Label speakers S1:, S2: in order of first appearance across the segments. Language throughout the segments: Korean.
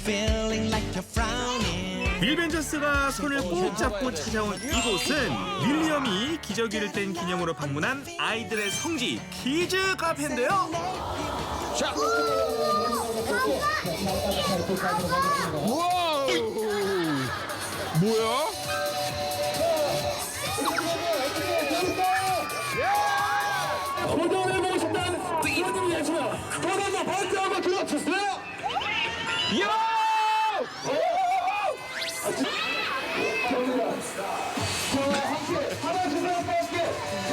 S1: feeling like you're frowning.
S2: 빌 벤저스가 손을 꼭 잡고 찾아온 이곳은 윌리엄이 기저귀를 뗀 기념으로 방문한 아이들의 성지 키즈 카페인데요.
S3: 자. 우와. 뭐야?
S4: 도전해보고 싶다는 이분을 위해서 도전과 번째 한번 들어주세요.
S3: 이야!
S4: 함께 하나 주세요. 함께.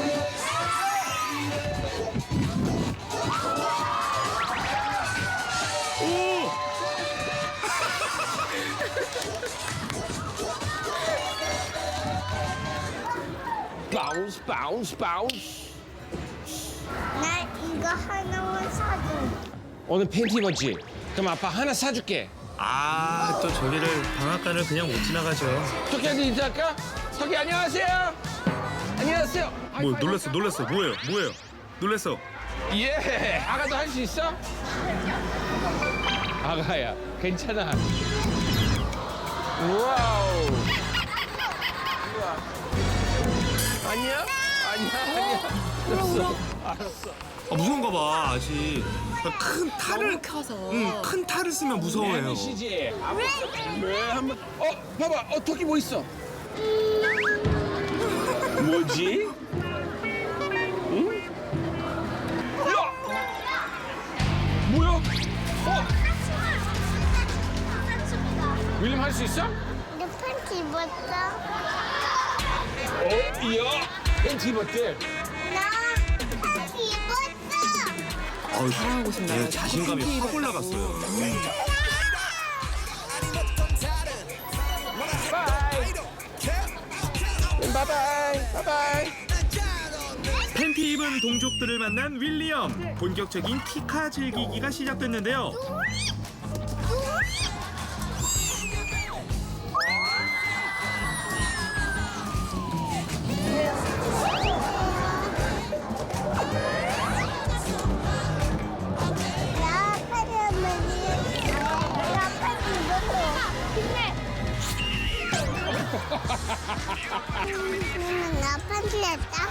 S3: 바운스 바운스 바운스.
S5: 나 이거 하나만 사줘.
S3: 오늘 팬티 입었지? 그럼 아빠 하나 사줄게.
S2: 아, 또 저기를 방앗간을 그냥 못 지나가죠.
S3: 토끼한테 인사할까? 토끼 안녕하세요. 안녕하세요.
S2: 뭐 놀랐어. 뭐예요? 놀랐어.
S3: 예. 아가도 할 수 있어? 아가야, 괜찮아. 와우. 아니야? 아니야. 알았어.
S2: 아, 무서운가 봐 아직. 큰 탈을
S6: 켜서.
S2: 큰 탈을 쓰면 무서워해요.
S3: MBC지. 왜 한번? 봐봐. 토끼 뭐 있어? 뭐지? 응? 야! 뭐야? 윌리엄 할 수 있어?
S5: 내 팬티 입었어?
S3: 이야. 팬티 입었대.
S5: 나 팬티 입었어.
S6: 자랑하고 싶나요?
S2: 자신감이 확 올라갔어요.
S3: 바이바이.
S2: 팬티 입은 동족들을 만난 윌리엄. 본격적인 티카 즐기기가 시작됐는데요.
S5: 나 팬티 입었어. 나 팬티 했다.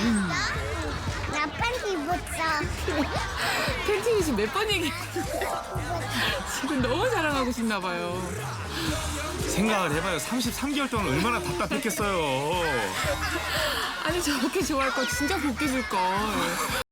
S5: 나 팬티 입었어.
S6: 팬티 지금 몇 번 얘기해? 지금 너무 자랑하고 싶나 봐요.
S2: 생각을 해봐요. 33개월 동안 얼마나 답답했겠어요.
S6: 아니 저렇게 좋아할 거 진짜 복귀 줄 걸.